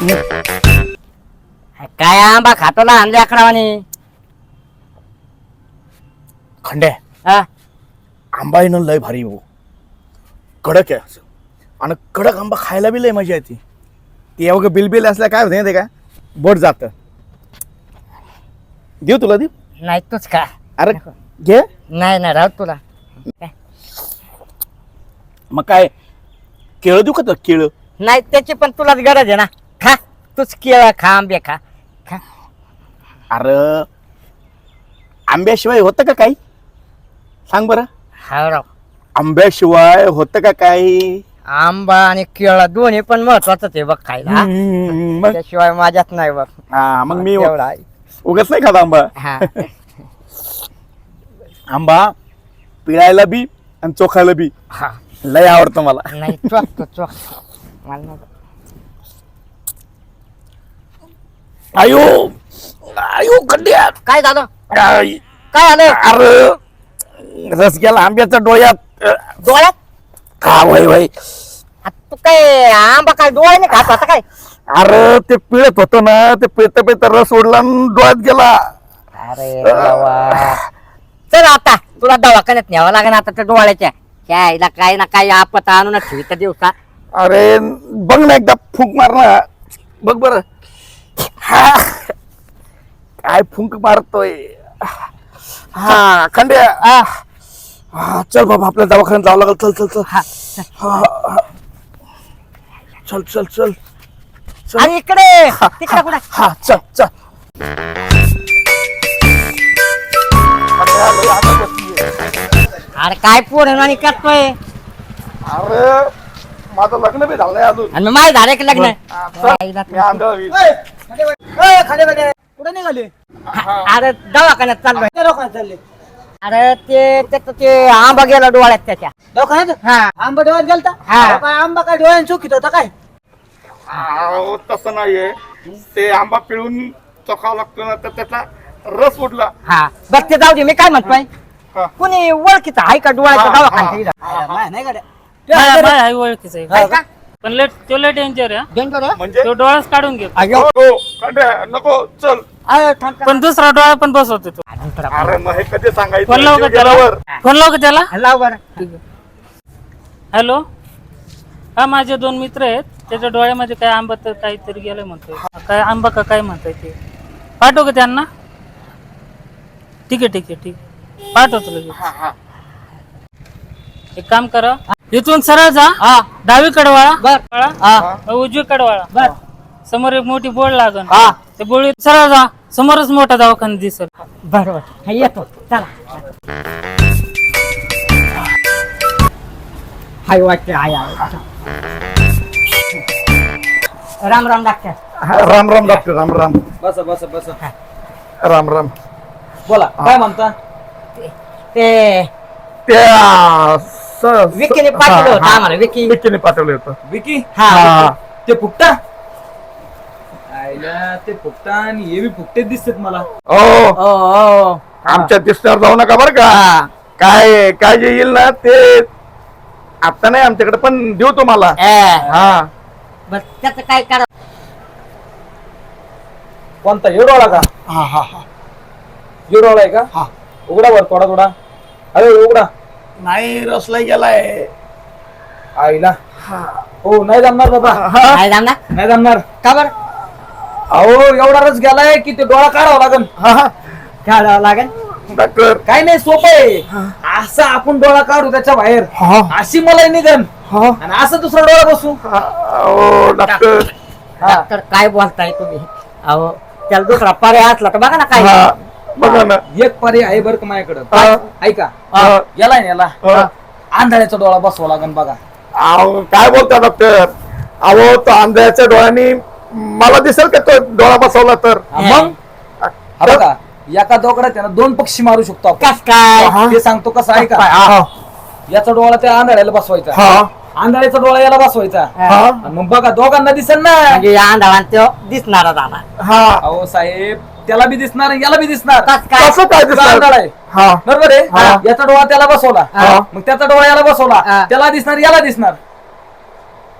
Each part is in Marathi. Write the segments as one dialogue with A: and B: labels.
A: काय आंबा खातो ना अंडे अकरावानी
B: खंडे
A: हा
B: आंबा येणं लय भारी हो, कडक आहे असं. आणि कडक आंबा खायला बी लय मजा येते. ते एवढं बिलबिल असल्या काय होते ते का बोट जात. देऊ तुला देऊ?
A: नाही तूच का
B: अरे घे.
A: नाही नाही राहू तुला
B: मग काय केळं देऊ का तर केळं?
A: नाही त्याची पण तुलाच गरज आहे ना. खा तूच केळं खा आंबे खा खा.
B: अरे आंब्याशिवाय होतं का काही? सांग बरं.
A: हा राव
B: आंब्याशिवाय होतं का काही?
A: आंबा आणि केळं दोन्ही पण महत्वाचंच आहे बघ खायला.
B: मग
A: त्याशिवाय माझ्यात नाही बघ.
B: हा मग मी
A: एवढा आहे.
B: उगाच नाही खाता आंबा.
A: हा
B: आंबा पिळायला बी आणि चोखायला बी
A: हा
B: लय आवडतं मला.
A: नाही चोख तो चोख मला नाही.
B: आयो आयो खड्ड्यात
A: काय झालं
B: काय
A: काय झालं
B: अरे रस गेला आंब्याच्या डोळ्यात.
A: डोळ्यात
B: का वय वय.
A: तू काय आंबा काय डोळ्याने खात होता काय?
B: अरे ते पिळत होतं ना, ते पिळता पिळता रस ओढला आणि डोळ्यात गेला.
A: अरे देवा. चल आता तुला दवाखान्यात न्यावं लागेल आता त्या डोळ्याच्या. काय काही ना काही आपत आणून ठेवी दिवसा.
B: अरे बघ ना एकदा फुंक मार ना, बघ बर. काय फुंक मारतोय. हा खंड्या. हा चल बाबा आपल्या दवाखान्यात जावं लागेल. चल चल चल.
A: हा,
B: हा चल चल चल चल.
A: आणि इकडे तिकडे कुठे
B: हा चल चल.
A: अरे काय पोरण आणि करतोय
B: अरे माझं लग्न बी झालंय अजून.
A: आणि माझं झालं की लग्न
B: मी आंधळा होईल.
C: कुठे निघाले?
A: अरे दवाखान्यात चाललोय.
C: त्या दवाखान्यात चालले.
A: अरे ते त्याचं ते आंबा गेला डोळ्यात त्याच्या.
C: दवाखान्यात
A: हा
C: आंबा डोळ्यात गेलता?
A: हा.
C: अहो, काय आंबा काय डोळ्यात चुकीत होता काय?
B: अहो, तसं नाहीये. ते आंबा पिळून चोखावा लागतो ना, तर त्याचा रस उडला.
A: हा बघ ते जाऊ दे. मी काय म्हणतोय
B: हा.
A: कुणी ओळखीचं आहे का डोळ्याच्या
B: हा,
A: दवाखान्यात इथं?
C: माय नाही गाड्या.
D: हाय ओळखीच आहे
A: आहे का?
D: पण लेट तो लेट डेंजर आहे
A: डेंजर आहे?
B: म्हणजे
D: तो डोळाच काढून घेतो
A: अयो.
B: नको खंड्या, नको चल.
A: अरे, थांब, थांब.
D: पण दुसरा डोळा पण बसवतो तो.
B: अरे मग हे कधी सांगायचं?
D: फोन लाव का
B: जीव
D: त्याला
B: गेल्यावर.
D: फोन लाव का त्याला
A: लाव बरं.
D: हॅलो हा माझे 2 मित्र आहेत. त्याच्या डोळ्यामध्ये काय आंबा तर काहीतरी गेलं म्हणतोय. काय आंबा का काय म्हणताय ते पाठव का त्यांना? ठीक आहे ठीक आहे ठीक आहे पाठवतो लगेच. एक काम करा इथून सरळ जा.
A: हा
D: डावीकडे वळा
A: बर.
D: वळा उजवीकडे वळा
A: बर.
D: समोर एक मोठी बोर्ड लागल.
A: हा.
D: ते बोर्ड सरळ जा समोरच मोठा दवाखाना दिसेल.
A: बरोबर हा, येतो चला. हाय वाटते hi Ram Ram doctor.
B: Ram Ram doctor. Ram Ram.
C: बसा बसा बसा.
B: राम राम.
C: बोला काय म्हणता?
A: ते
B: त्या
A: विकीने पाठवलं होतं आम्हाला.
B: विकीने पाठवलं होतं.
C: विकी
A: हा
C: ते फुकटा आयला ते फुकटा आणि हे बी फुकटेच दिसतात मला.
B: हो आमच्या दिसण्यावर जाऊ नका बरं का. काय काय जे येईल ना ते आता नाही आमच्याकडे, पण देऊ तुम्हाला. हा
A: बस त्याचं काय करा.
C: कोणता हे डोळा का?
B: हा हा हा.
C: हे डोळा आहे का?
B: हा.
C: उघडा वर थोडा थोडा. अरे उघडा.
B: नाही रसला गेलाय.
C: आईला हो नाही जमणार बाबा.
A: काय जमणार
C: नाही जमणार.
A: का बरं?
C: अहो एवढा रस गेलाय की ते डोळा काढावा लागेल.
A: काढावं लागेल.
B: डॉक्टर.
C: काय नाही सोपं आहे. असं आपण डोळा काढू त्याच्या बाहेर, अशी मला निघन आणि असं दुसरा डोळा बसू.
B: हो डॉक्टर.
A: डॉक्टर काय बोलताय तुम्ही? अहो त्याला दुसरा पर्याय असला तर बघा ना काय.
B: हा बघा ना.
C: एक पर्याय आहे बरं का माझ्याकडं.
B: हा.
C: ऐका
B: हा.
C: याला याला
B: हा.
C: आंधळ्याचा डोळा बसवा लागन बघा.
B: अहो काय बोलता डॉक्टर? अहो तो आंधळ्याच्या डोळ्यानी मला दिसेल का तो डोळा बसवला तर?
C: मग हा बघा एका दोघात त्याला 2 पक्षी मारू शकतो आपण.
A: कस काय?
C: ते सांगतो कसं आहे का.
B: हा.
C: याचा डोळा त्या आंधळ्याला बसवायचा,
B: हा.
C: आंधळ्याचा डोळा याला बसवायचा.
B: हा.
C: आणि मग बघा दोघांना दिसेल ना.
A: म्हणजे या अंधारात तो दिसणारच आला.
B: हा.
C: अहो साहेब त्याला बी दिसणार आणि याला बी दिसणार.
A: कस काय?
B: कसं काय
C: तो
B: दिसणार?
C: आंधळा आहे
B: हा.
C: बरोबर
B: हा.
C: आहे. याचा डोळा त्याला बसवला,
B: हा.
C: मग त्याचा डोळा याला बसवला,
A: हा.
C: त्याला दिसणार याला दिसणार.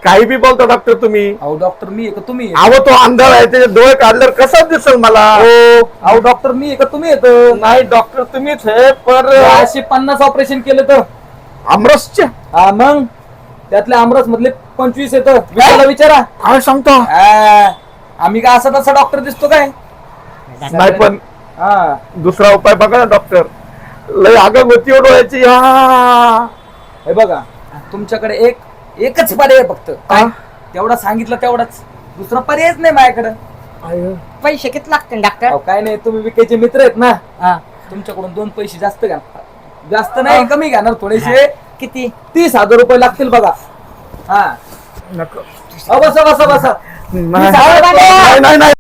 B: काही बी बोलता डॉक्टर तुम्ही.
C: अहो डॉक्टर मी आहे का तुम्ही आहे?
B: अहो तो अंधार आहे त्याचे डोळे काढल्यावर कसं दिसल मला.
C: अहो डॉक्टर मी आहे का तुम्ही येत?
B: नाही डॉक्टर तुम्हीच आहे पण
C: 50 ऑपरेशन केलं तर
B: आमरसचे
C: हा मग त्यातल्या आमरस मधले 25 येत विचारा.
B: काय सांगतो.
C: आम्ही काय असा तसा डॉक्टर दिसतो काय?
B: नाही पण
C: हा
B: दुसरा उपाय बघा ना डॉक्टर. लय आगं गती डोळ्याची.
C: हे बघा तुमच्याकडे एकच पर्याय आहे फक्त. तेवढा सांगितलं तेवढाच, दुसरा पर्यायच नाही माझ्याकडे.
A: पैसे किती लागतील डॉक्टर?
C: अहो, काय नाही तुम्ही विकायचे मित्र आहेत ना,
A: हा.
C: तुमच्याकडून 2 पैसे जास्त घ्या. जास्त नाही कमी घेणार थोडेसे.
A: किती?
C: 30,000 रुपये लागतील बघा. हा
B: नको.
C: बसा बसा बसा.
B: नाही नाही नाही